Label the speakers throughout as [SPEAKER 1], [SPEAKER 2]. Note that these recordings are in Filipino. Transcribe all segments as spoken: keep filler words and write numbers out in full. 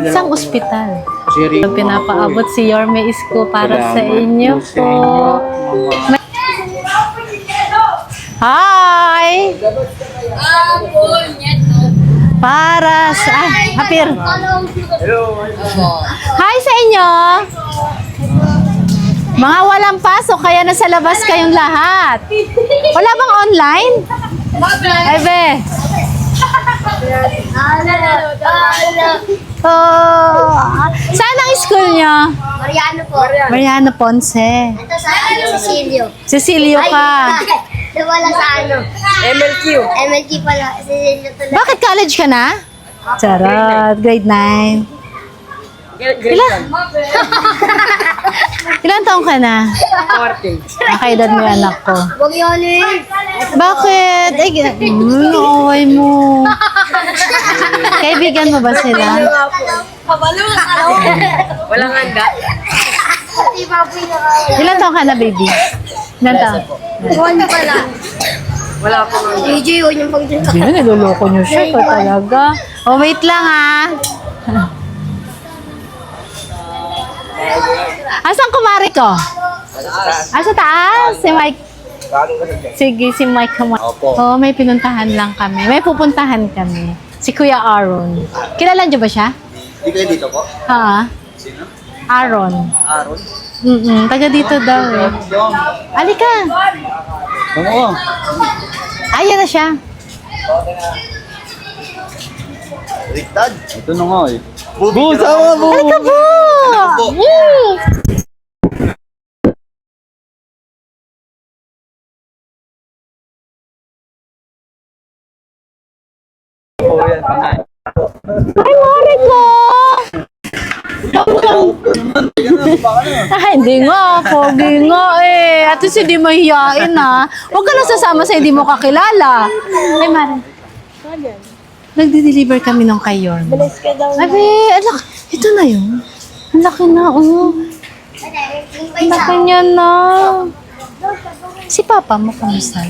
[SPEAKER 1] na
[SPEAKER 2] Isang
[SPEAKER 1] lang.
[SPEAKER 2] ospital.
[SPEAKER 1] Siri,
[SPEAKER 2] Pinapaabot si Yorme Isko para sa inyo po. Hi! Para sa... Ay, hapir. Hi sa inyo! Mga walang pasok, kaya nasa labas kayong lahat. Wala bang online? Ay, be. Oh, saan ang school nyo?
[SPEAKER 3] Mariano po.
[SPEAKER 2] Mariano Ponce.
[SPEAKER 3] Ito sa ano, Cecilio.
[SPEAKER 2] Cecilio ka.
[SPEAKER 3] Wala sa ano.
[SPEAKER 1] M L Q.
[SPEAKER 3] M L G pala. Cecilio to lang.
[SPEAKER 2] Bakit college ka na? Charot, grade nine. Ilan? Ilan taong ka na?
[SPEAKER 1] Martin.
[SPEAKER 2] Nakaedad mo yung anak ko.
[SPEAKER 3] Huwag yun eh.
[SPEAKER 2] Bakit? Ay, mm, away mo. Kaibigan mo ba sila?
[SPEAKER 1] Walang handa.
[SPEAKER 3] Pati baboy na ka.
[SPEAKER 2] Ilan taong ka na, baby? Ilan taong?
[SPEAKER 3] One pala.
[SPEAKER 1] Wala po nga.
[SPEAKER 3] D J, yun yung pag-drink.
[SPEAKER 2] Hindi na, niloloko niyo siya. Ikaw talaga. Oh, wait lang ah. Asan kumari ko? Ah, sa taas? Si Mike. Sige, si Mike kumari.
[SPEAKER 1] Opo.
[SPEAKER 2] Oh, may pinuntahan lang kami. May pupuntahan kami. Si Kuya Aaron. Kilala niyo ba siya?
[SPEAKER 1] Di kayo dito po?
[SPEAKER 2] Ha?
[SPEAKER 1] Sino?
[SPEAKER 2] Aaron.
[SPEAKER 1] Aaron?
[SPEAKER 2] Mm-mm, taga dito daw eh. Alika.
[SPEAKER 1] Oo.
[SPEAKER 2] Ayan na siya.
[SPEAKER 1] Riktad? Ito na nga eh. Bu, sama bu!
[SPEAKER 2] Alika po!
[SPEAKER 1] po?
[SPEAKER 2] Mm.
[SPEAKER 1] Oo yan, pangay.
[SPEAKER 2] Ay, Mari ko! Ah, hindi nga. Pogi nga eh. At least hindi mahihain ah. Huwag ka lang sasama sa hindi mo kakilala. Ay, Mari. Nagde-deliver kami ng kay Yorme.
[SPEAKER 3] Balas ka daw.
[SPEAKER 2] Abi, alak. Ito na yun. Ang laki na, oh. Ang laki niya na. Si Papa mo, kamusta?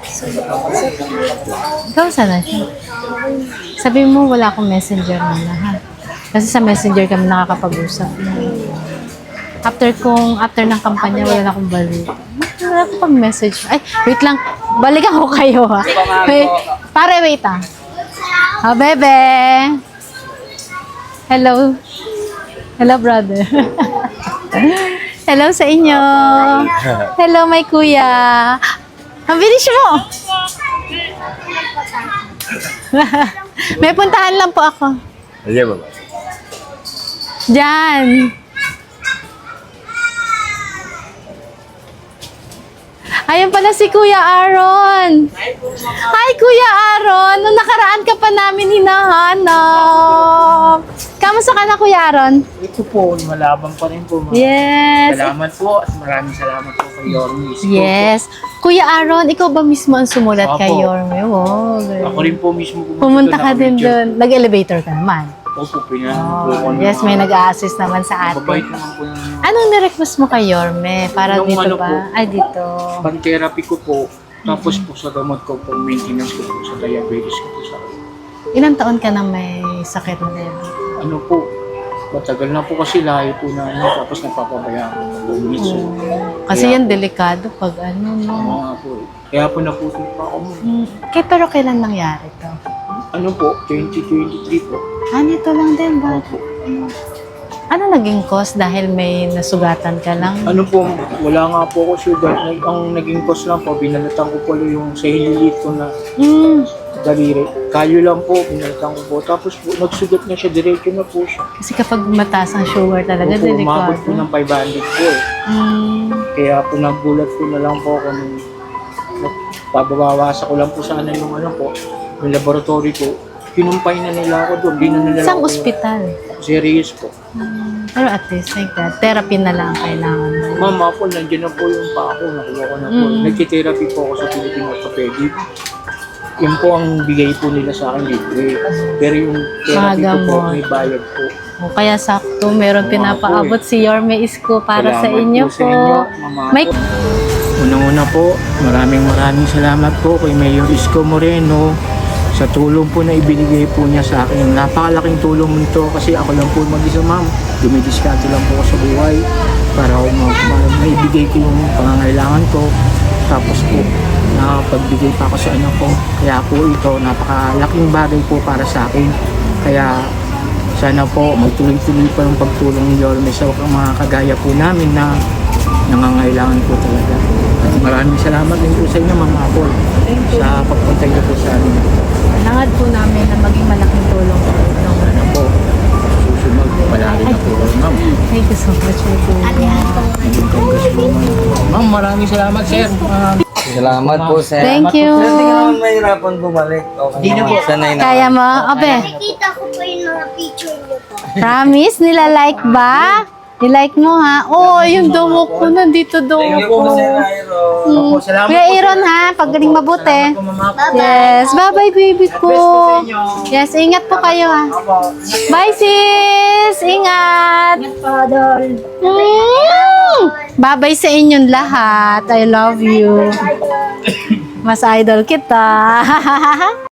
[SPEAKER 2] Ikaw sana siya. Sabi mo, wala akong messenger na lahat. Kasi sa messenger kami nakakapag-usap. After kong, after ng kampanya, wala na akong balik. Wala akong pag-message. Ay, wait lang. Balikan ko kayo, ha. Wait, pare, wait, ah. Oh, bebe. Hello. Hello, brother. Hello sa inyo. Hello, my kuya. Ang bilis mo. May puntahan lang po ako.
[SPEAKER 1] Ayan ba ba?
[SPEAKER 2] Diyan. Ayun pala si Kuya Aaron. Hi, Kuya Aaron. Nung nakaraan ka pa namin hinahanap. Kamusta ka na, Kuya Aaron?
[SPEAKER 4] Ito po, malabang pa rin po.
[SPEAKER 2] Yes.
[SPEAKER 4] Salamat po at maraming salamat po kay Yorme Isko.
[SPEAKER 2] Yes. Kuya Aaron, ikaw ba mismo ang sumulat
[SPEAKER 4] Opo.
[SPEAKER 2] kay Yorme? Wow.
[SPEAKER 4] Ako rin po mismo
[SPEAKER 2] Pumunta ka din doon. Nag-elevator ka naman.
[SPEAKER 4] Opo, pinanahan po
[SPEAKER 2] Oh,
[SPEAKER 4] ko.
[SPEAKER 2] yes, may nag-a-assist naman sa
[SPEAKER 4] Mabait
[SPEAKER 2] atin.
[SPEAKER 4] naman po yung
[SPEAKER 2] Anong nirequest mo kay Yorme? Para
[SPEAKER 4] Yung
[SPEAKER 2] dito
[SPEAKER 4] ano
[SPEAKER 2] ba?
[SPEAKER 4] po.
[SPEAKER 2] Ay, dito.
[SPEAKER 4] pang-therapy ko po. Tapos po sa gamot ko po, maintenance ko po sa diabetes ko po sa
[SPEAKER 2] Ilang taon ka nang may sakit na diabetes?
[SPEAKER 4] ano po. Matagal na po kasi layo po na ano, tapos napapabayaan ko po minsan.
[SPEAKER 2] Kasi
[SPEAKER 4] Kaya
[SPEAKER 2] yan
[SPEAKER 4] po,
[SPEAKER 2] delikado pag ano, no?
[SPEAKER 4] ano nga po eh. Kaya po naputol pa ako.
[SPEAKER 2] Hmm. Kaya pero kailan nangyari to?
[SPEAKER 4] Ano po, twenty twenty-three po.
[SPEAKER 2] Ah, nito lang din ba?
[SPEAKER 4] Opo.
[SPEAKER 2] Ano naging cause dahil may nasugatan ka lang?
[SPEAKER 4] Ano po, wala nga po ako sugar. Nag- Ang naging cause lang po, binalatan ko po yung sa hililit ko na
[SPEAKER 2] Hmm.
[SPEAKER 4] daliri. Kalyo lang po, binalatan ko po. Tapos po, nagsugat na siya, diretso na po siya.
[SPEAKER 2] Kasi kapag mataas ang sugar talaga,
[SPEAKER 4] Opo, umabot
[SPEAKER 2] delikado.
[SPEAKER 4] po ng five hundred po eh.
[SPEAKER 2] Hmm.
[SPEAKER 4] Kaya po nagulat po na lang po ako nung pababawasan ko lang po sana yung ano po, yung laboratory ko. Kinumpay na nila ako doon, di na nila
[SPEAKER 2] Isang
[SPEAKER 4] ako-
[SPEAKER 2] ospital.
[SPEAKER 4] Serious po.
[SPEAKER 2] Hmm. Pero at least like that, therapy na lang ang kailangan mo.
[SPEAKER 4] Mama po, nandiyan na po yung pa ako, nakuha ko na po.
[SPEAKER 2] Mm.
[SPEAKER 4] Nagtitherapy po ako sa Philippine Orthopedic. Yun po ang bigay po nila sa akin libre. Pero yung therapy
[SPEAKER 2] Mga
[SPEAKER 4] ko po,
[SPEAKER 2] gamot.
[SPEAKER 4] may bayad po.
[SPEAKER 2] O kaya sakto, meron
[SPEAKER 4] Oo,
[SPEAKER 2] pinapaabot
[SPEAKER 4] po
[SPEAKER 2] si Yorme Isko para sa
[SPEAKER 4] Salamat
[SPEAKER 2] inyo
[SPEAKER 4] po
[SPEAKER 2] po.
[SPEAKER 4] sa inyo, Mama
[SPEAKER 2] May
[SPEAKER 4] po. Unang-una po, maraming maraming salamat po kay Mayor Isko Moreno sa tulong po na ibinigay po niya sa akin. Napakalaking tulong nito kasi ako lang po mag-isa, ma'am. Dumidiskarte lang po ako sa buhay para ako ma- ma- maibigay ko yung pangangailangan ko. Tapos po, nakapagbigay pa ako sa anak ko. Kaya po ito, napakalaking bagay po para sa akin. Kaya sana po magtuloy-tuloy pa yung pagtulong ni Yorme sa mga kagaya po namin na nangangailangan po talaga. At maraming salamat din po sa inyo, Ma'am Apple, sa pagpunta niyo po sa amin.
[SPEAKER 2] Nangad po namin na maging malaking tulong po. No?
[SPEAKER 4] Sana po, susunod, palagi na po kayo, Ma'am.
[SPEAKER 2] Thank you so much, Michael.
[SPEAKER 4] Maging congress po, Ma'am. Ma'am, maraming salamat, sir. Um,
[SPEAKER 1] Salamat po, sir.
[SPEAKER 2] Thank you.
[SPEAKER 1] Sir, hindi ka naman mahirapan bumalik. Okay
[SPEAKER 4] Hindi na
[SPEAKER 1] naman.
[SPEAKER 4] po.
[SPEAKER 1] Sanay na.
[SPEAKER 2] Kaya mo? Abe,
[SPEAKER 3] Nakikita ko po yung mga picture niyo po.
[SPEAKER 2] promise? Nila-like ba? Nilike mo ha? Oo, oh, yung damo ko. Nandito daw
[SPEAKER 1] Thank you
[SPEAKER 2] ako.
[SPEAKER 1] po, Sir Nairo.
[SPEAKER 4] Opo, salamat
[SPEAKER 2] Kuya
[SPEAKER 4] po,
[SPEAKER 2] Aaron
[SPEAKER 4] sir.
[SPEAKER 2] ha, pagaling mabuti.
[SPEAKER 4] Salamat po, Ma'am Apple.
[SPEAKER 2] Yes, bye-bye baby
[SPEAKER 4] God
[SPEAKER 2] ko.
[SPEAKER 4] bless po sa inyo.
[SPEAKER 2] Yes, ingat po kayo ha.
[SPEAKER 4] Opo.
[SPEAKER 2] Bye sis! Ingat! Mm! Bye-bye sa inyong lahat. I love you. Mas idol kita.